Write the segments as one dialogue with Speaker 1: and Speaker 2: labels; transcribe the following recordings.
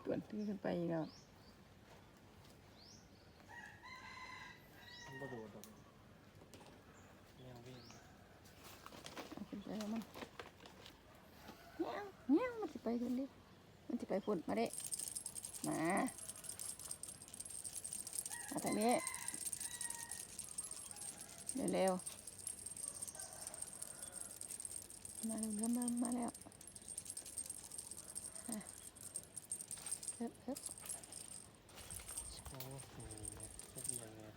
Speaker 1: วนที่ขึ้นไปอีกแล้ว
Speaker 2: มันบ่โดดดอกแนววิ่ง
Speaker 1: เอาขึ้นไปแล้วมั้งเงี้ยมันจะไปขึ้นดิมันจะไปฝุ่นมาเด้มาทางนี้เร็วๆมาแล้วมาแล้วเฮ้ย
Speaker 2: โอ้โหเจ็บยังไง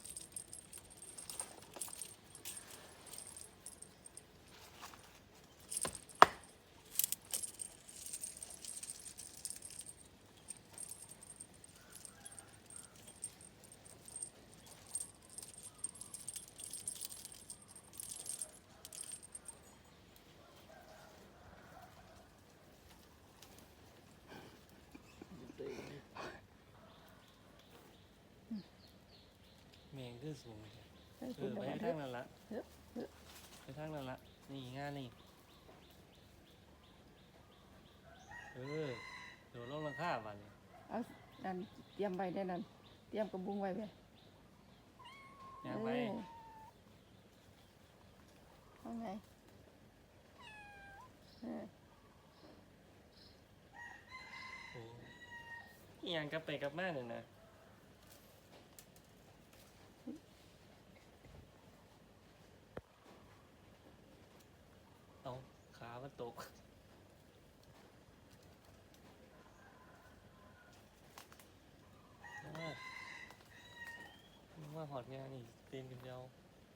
Speaker 2: แมงขึ้นสูงไปทางนั้นละไปทางนั้นละนี่ง่ายนี่เดี๋ยวลงราคาบ้านนี่
Speaker 1: เอานั่นเตรียมไว้ได้นั่นเตรียมกระบุงไว้ไป
Speaker 2: ย่างไป
Speaker 1: เอาไง
Speaker 2: โอ้ยย่างกลับไปกลับมาเลยนะเอาขามันตกว่าหอดงานนี่เต้นกันเดียว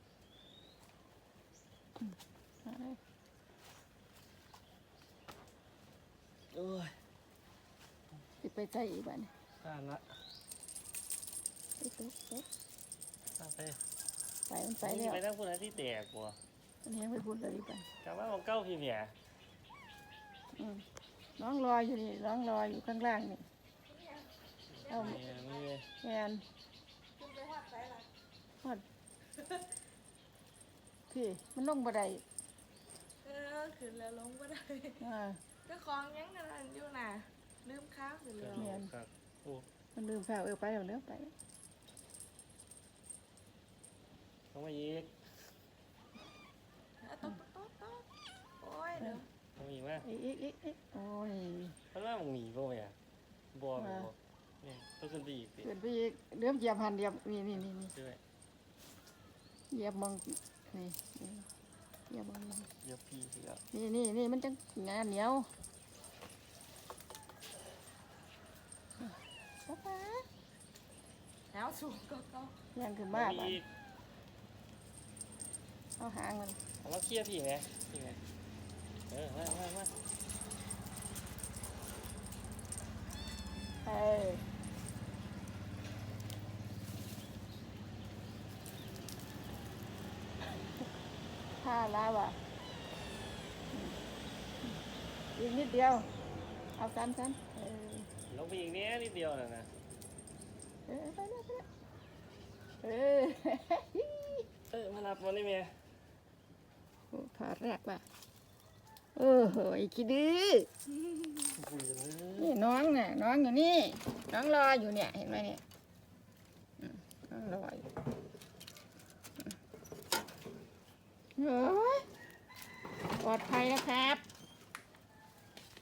Speaker 2: โอ้ย
Speaker 1: สิไปใจอีกบ้าน
Speaker 2: พลาดละ
Speaker 1: ไปตุ๊ก
Speaker 2: พลาดไป
Speaker 1: ไปมันไปแล้ว
Speaker 2: ไปทั้งคนที่แตกว่ะ
Speaker 1: มันแห้งไปพูดเลยอีกบ้าน
Speaker 2: กลับมาของเก้าพี่เมีย
Speaker 1: น้องรออยู่นี่น้องรออยู่ข้างล่างนี่เอา
Speaker 2: ไม่เลย
Speaker 1: แมนฮอดพี่มันลงบันได
Speaker 3: ขึ้นแล้วลงก็ได้
Speaker 1: อ่า
Speaker 3: เจ้าของยังกันอยู่น่ะลืมข้าวขึ้นแล้ว
Speaker 2: ครับโอ้
Speaker 1: มันลืมข้าวไปแล้วเนื้อไป
Speaker 2: ต้องมาอีก
Speaker 3: ต๊อกโอ้ยเดี๋ยว
Speaker 2: ต้องมาอีกไหม
Speaker 1: อีกโอ้ย
Speaker 2: มันว่ามึงหนีป่ะเมียบัวเนี่ยต้องขึ้นไปอีกสิ
Speaker 1: เกิดไปอีกเริ่มเหยียบหันเหยียบนี่
Speaker 2: ด้วย
Speaker 1: เหยียบมองนี่เหยียบมอง
Speaker 2: เยอะพี่สิครับ
Speaker 1: นี่มันจังงานเหนียวป๊า
Speaker 3: แล้วสูงก็
Speaker 1: ยังขึ้นมาบ้าน
Speaker 2: อีก
Speaker 1: เอาหางมัน
Speaker 2: เอามาเคลียร์พี่ไหมพี่ไหมมา
Speaker 1: เอ้ยท่าลาวอ่ะอีกนิดเดียวเอาซ้ำ
Speaker 2: ลงไปอีกเนี้ยนิดเดียวน่ะนะ
Speaker 1: ไปแล้ว
Speaker 2: มารับมันได้เมีย
Speaker 1: ถอดแรกว่ะโอ้โหคิดดื้อ
Speaker 2: คุยกันเลย
Speaker 1: นี่น้องน่ะน้องอยู่นี่น้องรออยู่เนี่ยเห็นไหมเนี่ยน้องรออยู่โอ้ยปลอดภัยนะครับ